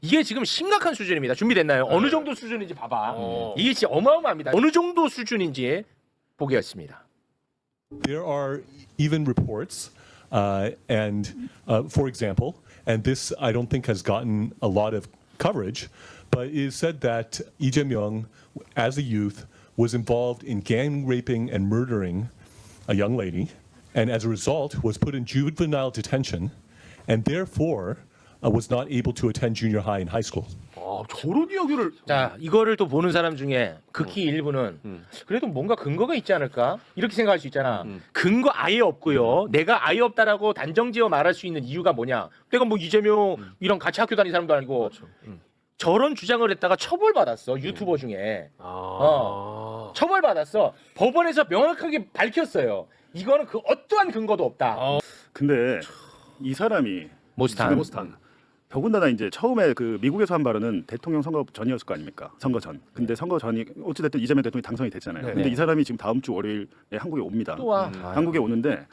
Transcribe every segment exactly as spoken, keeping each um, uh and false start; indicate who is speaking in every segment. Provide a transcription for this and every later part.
Speaker 1: 이게 지금 심각한 수준입니다. 준비됐나요?
Speaker 2: 네.
Speaker 1: 어느 정도 수준인지 봐봐.
Speaker 2: 어.
Speaker 1: 이게 진짜 어마어마합니다. 어느 정도 수준인지 보겠습니다.
Speaker 3: There are even reports, uh, and uh, for example, and this I don't think has gotten a lot of coverage, but it is said that Lee Jae-myung, as a youth, was involved in gang raping and murdering a young lady, and as a result was put in juvenile detention, and therefore uh, was not able to attend junior high and high school.
Speaker 2: 아, 저런 이야기를
Speaker 1: 자, 이거를 또 보는 사람 중에 극히 일부는 그래도 뭔가 근거가 있지 않을까? 이렇게 생각할 수 있잖아. 근거 아예 없고요. 내가 아예 없다라고 단정지어 말할 수 있는 이유가 뭐냐? 내가 뭐 이재명이랑 같이 학교 다니는 사람도 아니고 저런 주장을 했다가 처벌받았어. 유튜버 중에.
Speaker 2: 아.
Speaker 1: 어. 처벌받았어. 법원에서 명확하게 밝혔어요. 이거는 그 어떠한 근거도 없다.
Speaker 4: 근데 이 사람이
Speaker 1: 모스탄.
Speaker 4: 지금
Speaker 2: 모스탄.
Speaker 4: 더군다나 이제 처음에 그 미국에서 한 발언은 대통령 선거 전이었을 거 아닙니까? 선거 전. 근데 선거 전이 어찌됐든 이재명 대통령이 당선이 됐잖아요.
Speaker 2: 네.
Speaker 4: 근데
Speaker 1: 네.
Speaker 4: 이 사람이 지금 다음 주 월요일에 한국에 옵니다.
Speaker 1: 또 와.
Speaker 2: 음.
Speaker 1: 아,
Speaker 4: 한국에 오는데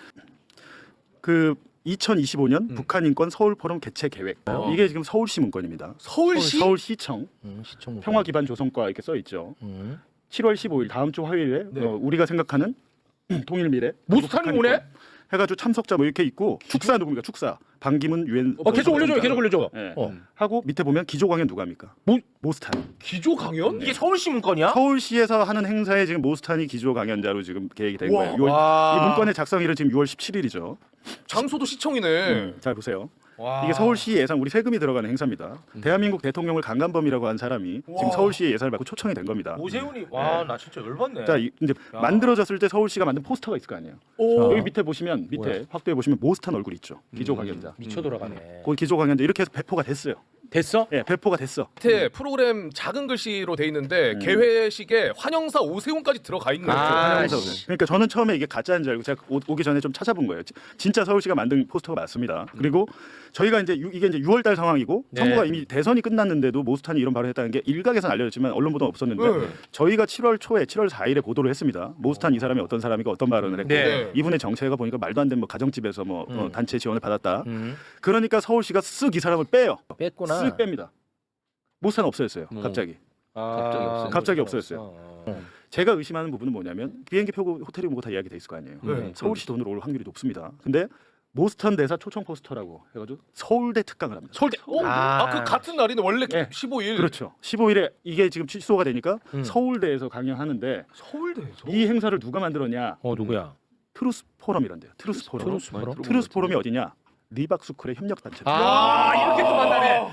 Speaker 4: 그 이천이십오 년 북한 인권 서울 포럼 개최 계획.
Speaker 2: 어.
Speaker 4: 이게 지금 서울시 문건입니다.
Speaker 2: 서울시?
Speaker 4: 서울시청
Speaker 1: 음, 시청
Speaker 4: 평화 기반 조성과 이렇게 써 있죠.
Speaker 1: 음.
Speaker 4: 칠월 십오일 다음 주 화요일에
Speaker 2: 네.
Speaker 4: 어, 우리가 생각하는 통일 미래
Speaker 1: 모스탄이
Speaker 4: 북한
Speaker 1: 오네?
Speaker 4: 인권 해가지고 참석자 뭐 이렇게 있고 축사 누굽니까 축사 반기문 유엔
Speaker 1: 어, 계속 올려줘요. 계속 올려줘.
Speaker 4: 예.
Speaker 1: 어.
Speaker 4: 하고 밑에 보면 기조 강연 누가 합니까?
Speaker 1: 모-
Speaker 4: 모스탄.
Speaker 2: 기조 강연?
Speaker 1: 이게 서울시 문건이야?
Speaker 4: 서울시에서 하는 행사에 지금 모스탄이 기조 강연자로 지금 계획이 된
Speaker 2: 우와.
Speaker 4: 거예요. 유월,
Speaker 1: 와.
Speaker 4: 이 문건의 작성일은 지금 유월 십칠일이죠.
Speaker 2: 장소도 시청이네.
Speaker 4: 잘 보세요.
Speaker 2: 와.
Speaker 4: 이게 서울시 예산 우리 세금이 들어가는 행사입니다. 대한민국 대통령을 강간범이라고 한 사람이
Speaker 2: 와.
Speaker 4: 지금 서울시의 예산을 받고 초청이 된 겁니다.
Speaker 1: 오세훈이 와 나 진짜 열받네.
Speaker 4: 자, 이- 이제
Speaker 1: 야.
Speaker 4: 만들어졌을 때 서울시가 만든 포스터가 있을 거 아니에요.
Speaker 2: 오.
Speaker 4: 여기 밑에 보시면 밑에
Speaker 1: 뭐야?
Speaker 4: 확대해 보시면 모스탄 얼굴 있죠. 기조 강연자.
Speaker 1: 미쳐 돌아가네.
Speaker 4: 거기 기조 강연자 이렇게 해서 배포가 됐어요.
Speaker 1: 됐어?
Speaker 4: 예, 배포가 됐어.
Speaker 2: 밑에 프로그램 작은 글씨로 돼 있는데
Speaker 4: 음.
Speaker 2: 개회식에 환영사 오세훈까지 들어가 있는
Speaker 1: 아,
Speaker 2: 거예요.
Speaker 1: 씨.
Speaker 4: 그러니까 저는 처음에 이게 가짜인 줄 알고 제가 오, 오기 전에 좀 찾아본 거예요. 지- 진짜 서울시가 만든 포스터가 맞습니다. 그리고 저희가 이제 유, 이게 이제 유월달 상황이고
Speaker 1: 네.
Speaker 4: 선거가 이미 대선이 끝났는데도 모스탄이 이런 발언을 했다는 게 일각에서는 알려졌지만 언론 보도는 없었는데
Speaker 2: 네.
Speaker 4: 저희가 칠월 초에 칠월 사일에 보도를 했습니다. 모스탄 이 사람이 어떤 사람이고 어떤 발언을 했고
Speaker 1: 네.
Speaker 4: 이분의 정체가 보니까 말도 안 되는 뭐 가정집에서 뭐 어,
Speaker 1: 음.
Speaker 4: 단체 지원을 받았다.
Speaker 1: 음.
Speaker 4: 그러니까 서울시가 쓱 이 사람을 빼요.
Speaker 1: 뺐구나.
Speaker 4: 쓱 뺍니다. 모스탄 없어졌어요.
Speaker 1: 음.
Speaker 4: 갑자기.
Speaker 1: 갑자기 없어.
Speaker 4: 갑자기 없어졌어요. 제가 의심하는 부분은 뭐냐면 비행기 표고 호텔이 뭐고 다 이야기 돼 있을 거 아니에요.
Speaker 2: 네.
Speaker 4: 서울시 돈으로 올 확률이 높습니다. 근데 모스턴 대사 초청 포스터라고 해가지고 서울대 특강을 합니다.
Speaker 2: 서울대. 어?
Speaker 1: 아.
Speaker 2: 아, 그 같은 날이네. 원래
Speaker 4: 네.
Speaker 2: 십오일.
Speaker 4: 그렇죠. 십오일에 이게 지금 취소가 되니까
Speaker 1: 음.
Speaker 4: 서울대에서 강연하는데
Speaker 2: 서울대에서.
Speaker 4: 이 행사를 누가 만들었냐?
Speaker 1: 어 누구야?
Speaker 4: 트루스 포럼이란데요. 트루스 포럼.
Speaker 1: 트루스 포럼?
Speaker 4: 트루스 포럼이 어디냐? 리박스쿨의 협력 단체.
Speaker 1: 아 이렇게 또 만나네.